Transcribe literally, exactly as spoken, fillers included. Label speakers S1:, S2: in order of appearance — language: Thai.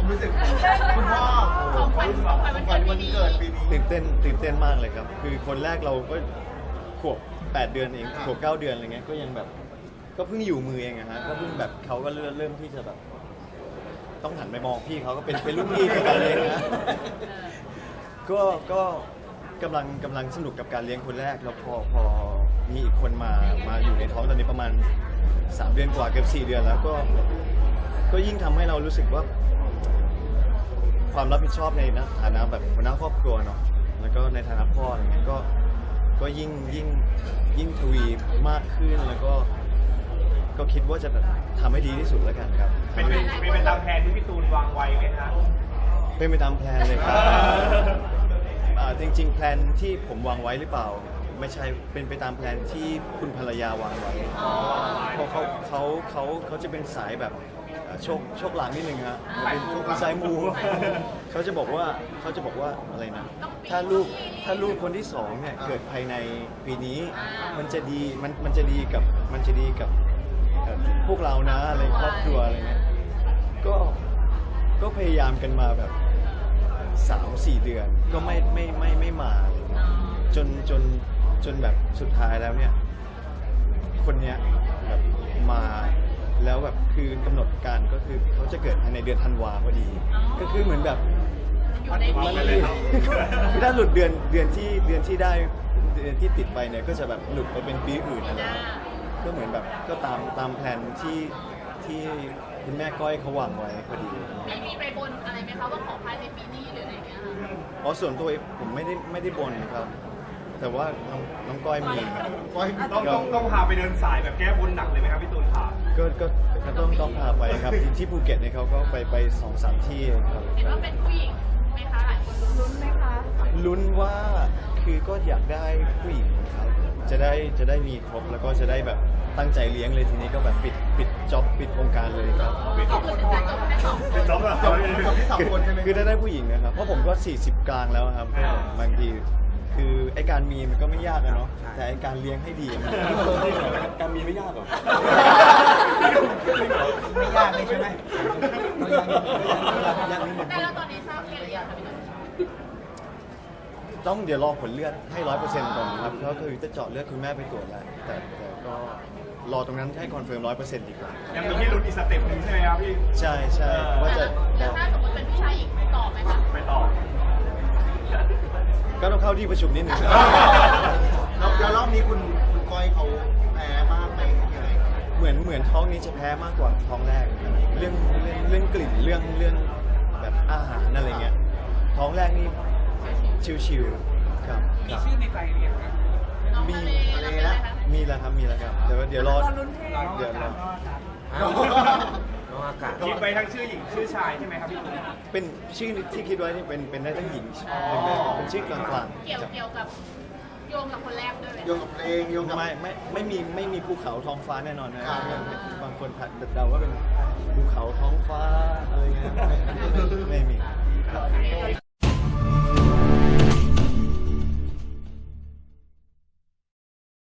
S1: รู้สึกคุณพ่อของขวัญของขวัญวันเกิดปีนี้
S2: ตื่นเต้นตื่นเต้นมากเลยครับคือคนแรกเราก็ขวบแปดเดือนเองขวบเก้าเดือนอะไรเงี้ยก็ยังแบบก็เพิ่งอยู่มือเองอะฮะก็เพิ่งแบบเขาก็เริ่มเริ่มที่จะแบบต้องหันไปมองพี่เขาก็เป็นเป็นรุ่นพี่ในการเลี้ยงนะก็ก็กำลังกำลังสนุกกับการเลี้ยงคนแรกแล้วพอพอมีอีกคนมามาอยู่ในท้องตอนนี้ประมาณสามเดือนกว่าเกือบสี่เดือนแล้วก็ก็ยิ่งทำให้เรารู้สึกว่าความรับผิดชอบในฐานะแบบหัวหน้าครอบครัวเนาะแล้วก็ในฐานะพ่ออะไรเงี้ยก็ก็ยิ่งยิ่งยิ่งทวีมากขึ้นแล้วก็ก็คิดว่าจะแบบทำให้ดีที่สุดแล้วกันครับ
S3: เป็นเป็นไปตามแผนที่พี่ตูนวางไว้ไหมคะ
S2: เป็นไปตามแผนเลยครับจริงๆแผนที่ผมวางไว้หรือเปล่าไม่ใช่เป็นไปตามแผนที่คุณภรรยาวางไว้เพราะเขาเขาเขาเขาจะเป็นสายแบบโชคโชคลางนิดนึงฮะสายมูเขาจะบอกว่าเขาจะบอกว่าอะไรนะถ้าลูกถ้าลูกคนที่สองเนี่ยเกิดภายในปีนี้มันจะดีมันมันจะดีกับมันจะดีกับพวกเรานะอะไรครอบครัวอะไรเงี้ยก็ก็พยายามกันมาแบบสามสี่เดือนก็ไม่ไม่ไม่ไม่มาจนจนจนแบบสุดท้ายแล้วเนี่ยคนเนี้ยแบบมาแล้วแบบคือกำหนดการก็คือเขาจะเกิดภายในเดือนธันวาพอดีก็คือเหมือนแบบมันคือถ้าหลุดเดือนเดือนที่เดือนที่ได้เดือนที่ติดไปเนี่ยก็จะแบบหลุดไปเป็นปีอื่นอะไรก็เหมือนแบบก็ตามตามแผนที่ที่คุณแม่ก้อยเขาวางไว้พอดี
S4: มีมีไปบนอะไรไหมคะว่าขอภายในปีนี้หรืออะไรเงี้ย
S2: อ๋อส่วนตัวผมไม่ได้ไม่ได้บนครับแต่ว่าน้องน้องก้อยมี
S3: ก้อยต้องต้องต้องพาไปเดินสายแบบแก้บนหนักเลยไหมครับพี่ตูนค่ะ
S2: ก็ก็ก็ต้องต้องพาไปครับที่ภูเก็ตเนี่ยเขาก็ไปไปสองสามที่ครับ
S4: เห็นว่าเป็นผู้หญิงไหมคะหลายคนลุ้นไหมคะ
S2: ลุ้นว่าคือก็อยากได้ผู้หญิงครับจะได้จะได้มีครบแล้วก็จะได้แบบตั้งใจเลี้ยงเลยทีนี้ก็แบบปิดปิดจ็อบปิดโครงการเลยครับ
S4: ปิดจ็อบเลย
S3: ปิดจ็อบแล้ว
S1: จ็อบที่สองคนใช่ไหม
S2: คือได้ได้ผู้หญิงนะครับเพราะผมก็สี่สิบกลางแล้วครับบางทีคือไอการมีมันก็ไม่ยากอะเนาะแต่ไอการเลี้ยงให้ดีมันการมีไม่ยากหรอก
S1: ไม่ยากเลยใช่ไหม
S4: ยากนิดนึงแต่แล้วตอนนี้ทราบเพศหรือยังคะพี่ตูน
S2: ต้องเดี๋ยวรอผลเลือดให้ร้อยเปอร์เซ็นต์ก่อนครับก็คือจะเจาะเลือดคุณแม่ไปตรวจแล้วแต่แต่ก็รอตรงนั้นให้คอนเฟิร์มร้อยเปอร์เซ็นต์ดีกว่า
S3: ยังมีที่ลุ้นอีกสเต็ปนึงใช่ไหมครับพี่
S2: ใช่ใช่ว่าจะ
S4: แล้วถ้าสมมติเป็นผู้ชายอีกต่อไหมคะ
S3: ไปต่อ
S2: ก็ต้องเข้าที่ประชุมนิดนึง
S1: แล้วรอบนี้คุณคุณก้อยเขาแพ้มากไหมยังไง
S2: เหมือนเหมือนท้องนี้จะแพ้มากกว่าท้องแรกเรื่องเรื่องเรื่องกลิ่นเรื่องเรื่องแบบอาหารอะไรเงี้ยท้องแรกนี่ชิวๆครับ
S3: มีชื่อในใจเรียกไหม
S2: มีแล้วมีแล้วครับมีแล้วครับเดี๋ยวเดี๋ยวรอเดี๋ยวรอ
S3: คิดไปทั้งชื่อหญิงชื่อชายใช่ไหมครับพี่ตูน
S2: เป็นชื่อที่คิดไว้นี่เป็นเป็นได้ทั้งหญิงเป็นชื่อกลาง
S4: ๆเกี่ยวเกี่ยวกับโยงกับคนแรกด้วย
S1: โยงกับเพลงโยงกับ
S2: ไม่ไม่ไม่มีไม่มีภูเขาท้องฟ้าแน่นอนนะบางคนเดาว่าเป็นภูเขาท้องฟ้าอะไรเงี้ยไม่มี